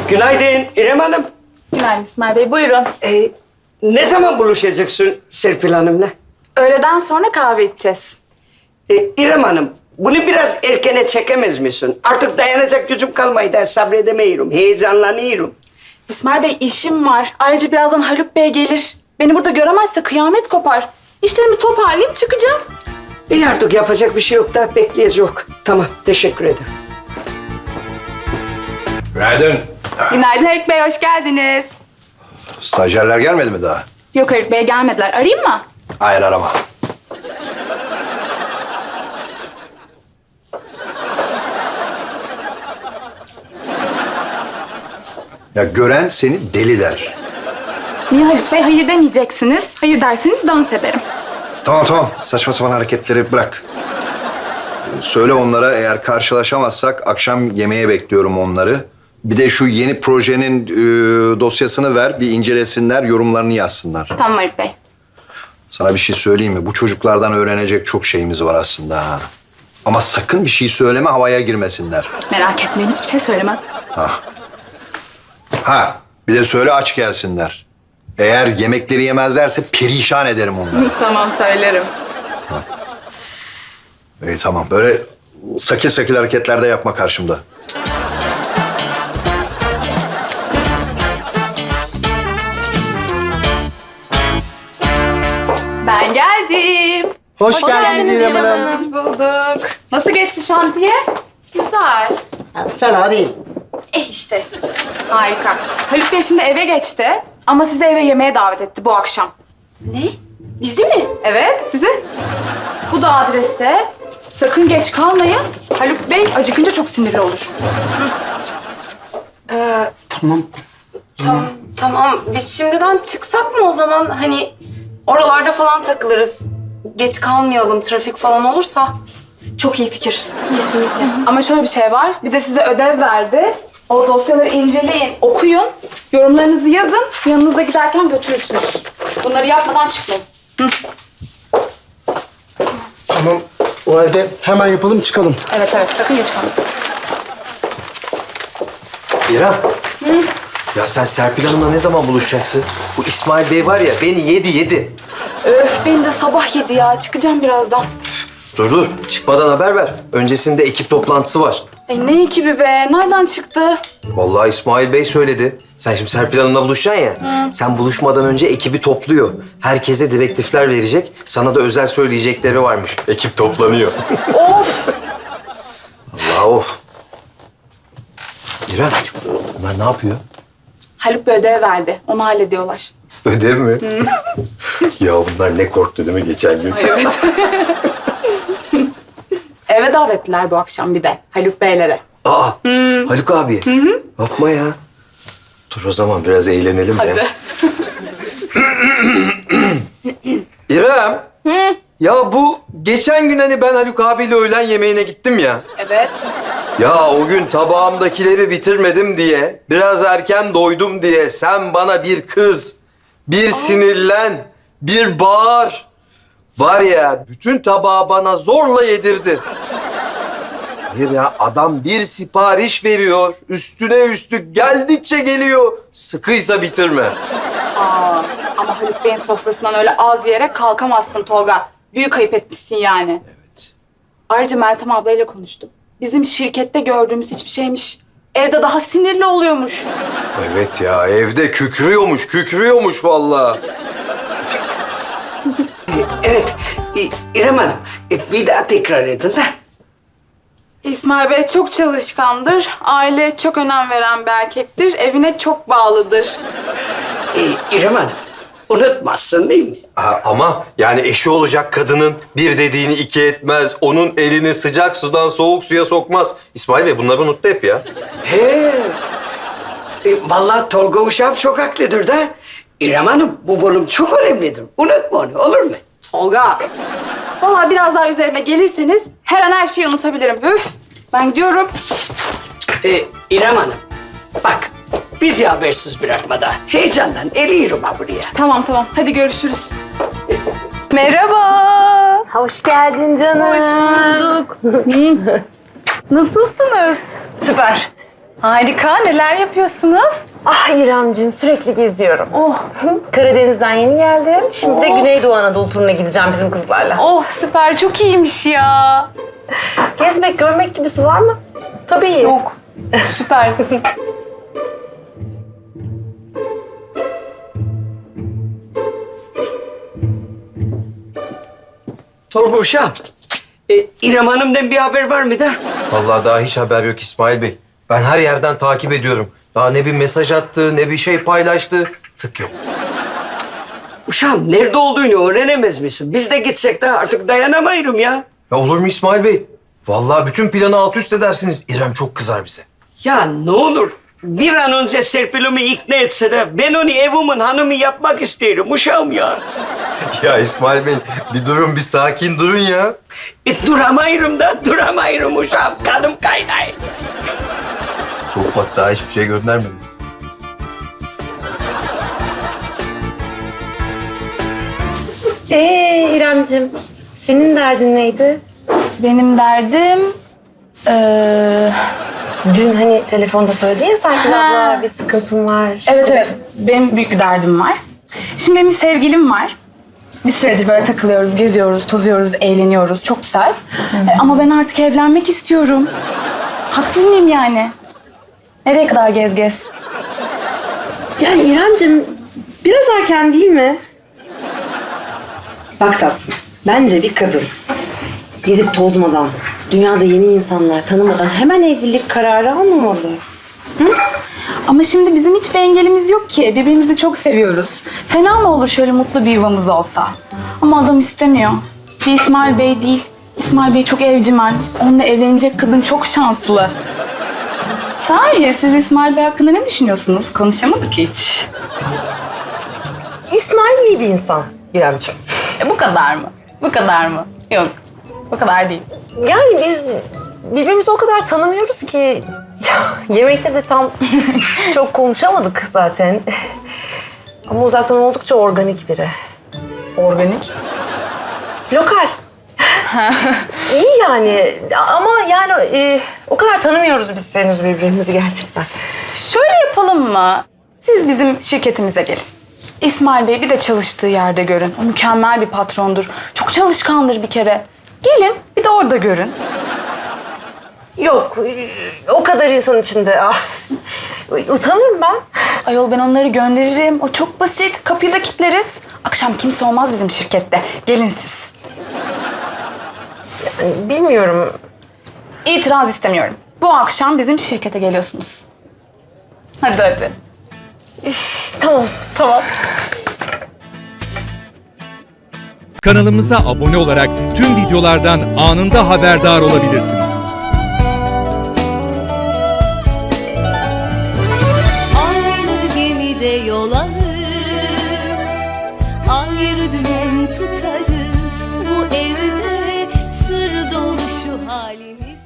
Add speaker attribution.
Speaker 1: Günaydın İrem Hanım.
Speaker 2: Günaydın İsmail Bey, buyurun.
Speaker 1: Ne zaman buluşacaksın Serpil Hanım'la?
Speaker 2: Öğleden sonra kahve içeceğiz.
Speaker 1: İrem Hanım, bunu biraz erkene çekemez misin? Artık dayanacak gücüm kalmaydı, sabredemiyorum, heyecanlanıyorum.
Speaker 2: İsmail Bey, işim var. Ayrıca birazdan Haluk Bey gelir. Beni burada göremezse kıyamet kopar. İşlerimi toparlayıp çıkacağım.
Speaker 1: İyi artık yapacak bir şey yok da bekleyeceğiz. Tamam, teşekkür ederim.
Speaker 3: Günaydın.
Speaker 2: Günaydın Haluk Bey, hoş geldiniz.
Speaker 3: Stajyerler gelmedi mi daha?
Speaker 2: Yok Haluk Bey, gelmediler. Arayayım mı?
Speaker 3: Hayır, arama. Ya gören seni deli der.
Speaker 2: Niye Haluk Bey? Hayır demeyeceksiniz. Hayır derseniz dans ederim.
Speaker 3: Tamam. Saçma sapan hareketleri bırak. Söyle onlara, eğer karşılaşamazsak akşam yemeğe bekliyorum onları. Bir de şu yeni projenin dosyasını ver, bir incelesinler, yorumlarını yazsınlar.
Speaker 2: Tamam Haluk Bey.
Speaker 3: Sana bir şey söyleyeyim mi? Bu çocuklardan öğrenecek çok şeyimiz var aslında ha. Ama sakın bir şey söyleme, havaya girmesinler.
Speaker 2: Merak etmeyin, hiçbir şey söylemem.
Speaker 3: Ha, bir de söyle aç gelsinler. Eğer yemekleri yemezlerse perişan ederim onları.
Speaker 2: Tamam, söylerim.
Speaker 3: İyi tamam, böyle sakil sakil hareketler de yapma karşımda.
Speaker 2: Ben geldim.
Speaker 4: Hoş geldiniz İrem Hanım.
Speaker 2: Hoş bulduk. Nasıl geçti şantiye? Güzel.
Speaker 4: Fena değil.
Speaker 2: İşte. Harika. Haluk Bey şimdi eve geçti ama sizi eve yemeğe davet etti bu akşam.
Speaker 5: Ne? Bizi mi?
Speaker 2: Evet, sizi. Bu da adrese. Sakın geç kalmayın. Haluk Bey acıkınca çok sinirli olur.
Speaker 4: Tamam.
Speaker 5: Tamam. Biz şimdiden çıksak mı o zaman? Hani oralarda falan takılırız. Geç kalmayalım, trafik falan olursa.
Speaker 2: Çok iyi fikir. Kesinlikle. Ama şöyle bir şey var. Bir de size ödev verdi. O dosyaları inceleyin, okuyun. Yorumlarınızı yazın. Yanınızda giderken götürürsünüz. Bunları yapmadan çıkmayın.
Speaker 4: Tamam. O halde hemen yapalım çıkalım.
Speaker 2: Evet, sakın geç kalmayın.
Speaker 6: İrem. Ya sen Serpil Hanım'la ne zaman buluşacaksın? Bu İsmail Bey var ya beni yedi.
Speaker 2: Öf, beni de sabah yedi ya. Çıkacağım birazdan.
Speaker 6: Dur. Çıkmadan haber ver. Öncesinde ekip toplantısı var.
Speaker 2: Ne ekibi be? Nereden çıktı?
Speaker 6: Vallahi İsmail Bey söyledi. Sen şimdi Serpil Hanım'la buluşacaksın ya. Sen buluşmadan önce ekibi topluyor. Herkese direktifler verecek. Sana da özel söyleyecekleri varmış. Ekip toplanıyor.
Speaker 2: Of!
Speaker 6: Allah of. İrem, bunlar ne yapıyor?
Speaker 2: Haluk bir ödev verdi. Onu hallediyorlar.
Speaker 6: Ödev mi? Ya bunlar ne korktu değil mi geçen gün?
Speaker 2: Evet. Eve davetliler bu akşam bir de. Haluk Beylere.
Speaker 6: Aa, Haluk abi. Yapma ya. Dur o zaman biraz eğlenelim
Speaker 2: Hadi.
Speaker 6: de. İrem. Ya bu geçen gün hani ben Haluk abiyle öğlen yemeğine gittim ya.
Speaker 2: Evet.
Speaker 6: Ya o gün tabağımdakileri bitirmedim diye, biraz erken doydum diye sen bana bir kız, bir sinirlen, bir bağır. Var ya bütün tabağı bana zorla yedirdi. Hayır ya adam bir sipariş veriyor, üstüne üstlük geldikçe geliyor. Sıkıysa bitirme.
Speaker 2: Ama Haluk Bey'in sofrasından öyle az yiyerek kalkamazsın Tolga. Büyük ayıp etmişsin yani.
Speaker 6: Evet.
Speaker 2: Ayrıca Meltem ablayla konuştum. Bizim şirkette gördüğümüz hiçbir şeymiş. Evde daha sinirli oluyormuş.
Speaker 6: Evet ya evde kükrüyormuş vallahi.
Speaker 1: Evet, İrem Hanım, bir daha tekrar edin de.
Speaker 2: İsmail Bey çok çalışkandır. Aileye çok önem veren bir erkektir. Evine çok bağlıdır.
Speaker 1: İrem Hanım, unutmazsın değil mi?
Speaker 6: Ama yani eşi olacak kadının bir dediğini iki etmez. Onun elini sıcak sudan soğuk suya sokmaz. İsmail Bey bunları unuttu hep ya.
Speaker 1: He. Vallahi Tolga Uşak çok haklıdır da. İrem Hanım, bu bölüm çok önemlidir. Unutma onu, olur mu?
Speaker 2: Tolga. Vallahi biraz daha üzerime gelirseniz her an her şeyi unutabilirim. Üf. Ben gidiyorum.
Speaker 1: İrem Hanım, bak bizi habersiz bırakma da. Heyecandan eliyorum ha buraya.
Speaker 2: Tamam. Hadi görüşürüz.
Speaker 7: Merhaba. Hoş geldin canım.
Speaker 2: Hoş bulduk.
Speaker 7: Nasılsınız? Süper.
Speaker 2: Harika. Neler yapıyorsunuz?
Speaker 7: Ah İremciğim sürekli geziyorum. Karadeniz'den yeni geldim. Şimdi de Güneydoğu Anadolu turuna gideceğim bizim kızlarla.
Speaker 2: Oh süper. Çok iyiymiş ya.
Speaker 7: Gezmek, görmek gibisi var mı? Tabii.
Speaker 2: Yok. Süper.
Speaker 1: Tolga uşağım, İrem Hanım'dan bir haber var mı da?
Speaker 6: Vallahi daha hiç haber yok İsmail Bey. Ben her yerden takip ediyorum. Daha ne bir mesaj attı, ne bir şey paylaştı. Tık yok.
Speaker 1: Uşağım nerede olduğunu öğrenemez misin? Biz de gitsek de artık dayanamayırım ya.
Speaker 6: Ya olur mu İsmail Bey? Vallahi bütün planı alt üst edersiniz. İrem çok kızar bize.
Speaker 1: Ya ne olur bir an önce Serpil'imi ikna etse de ben onu evimin hanımı yapmak isterim uşağım ya.
Speaker 6: Ya İsmail Bey bir durun, bir sakin durun ya.
Speaker 1: Duramayırım uşağım. Kanım kaynay.
Speaker 6: Çok bak daha hiçbir şey göndermedim.
Speaker 7: İremciğim senin derdin neydi?
Speaker 2: Benim derdim...
Speaker 7: Dün hani telefonda söyledin ya Serpil
Speaker 2: Ha.
Speaker 7: abla bir sıkıntım var.
Speaker 2: Evet. Benim büyük bir derdim var. Şimdi benim bir sevgilim var. Bir süredir böyle takılıyoruz, geziyoruz, tozuyoruz, eğleniyoruz. Çok güzel. Ama ben artık evlenmek istiyorum. Haksız mıyım yani? Nereye kadar gez?
Speaker 7: Yani İremciğim biraz erken değil mi? Bak tatlım, bence bir kadın gezip tozmadan, dünyada yeni insanlar tanımadan hemen evlilik kararı almamalı.
Speaker 2: Ama şimdi bizim hiçbir engelimiz yok ki. Birbirimizi çok seviyoruz. Fena mı olur şöyle mutlu bir yuvamız olsa? Ama adam istemiyor. Bir İsmail Bey değil. İsmail Bey çok evcimen. Onunla evlenecek kadın çok şanslı. Sahi siz İsmail Bey hakkında ne düşünüyorsunuz? Konuşamadık hiç.
Speaker 7: İsmail iyi bir insan İremciğim.
Speaker 2: Bu kadar mı? Bu kadar mı? Yok. Bu kadar değil.
Speaker 7: Yani biz birbirimizi o kadar tanımıyoruz ki yemekte de tam çok konuşamadık zaten. Ama uzaktan oldukça organik biri.
Speaker 2: Organik.
Speaker 7: Lokal. İyi yani ama yani o kadar tanımıyoruz biz henüz birbirimizi gerçekten.
Speaker 2: Şöyle yapalım mı? Siz bizim şirketimize gelin. İsmail Bey bir de çalıştığı yerde görün. O mükemmel bir patrondur. Çok çalışkandır bir kere. Gelin bir de orada görün.
Speaker 7: Yok o kadar insan içinde. Utanırım ben.
Speaker 2: Ayol ben onları gönderirim. O çok basit. Kapıyı da kilitleriz. Akşam kimse olmaz bizim şirkette. Gelin siz.
Speaker 7: Bilmiyorum.
Speaker 2: İtiraz istemiyorum. Bu akşam bizim şirkete geliyorsunuz. Hadi.
Speaker 7: Tamam.
Speaker 8: Kanalımıza abone olarak tüm videolardan anında haberdar olabilirsiniz.
Speaker 9: Aynı gemide yol alır, ayrı dümen tutarız. Bu evde sır dolu şu halimiz.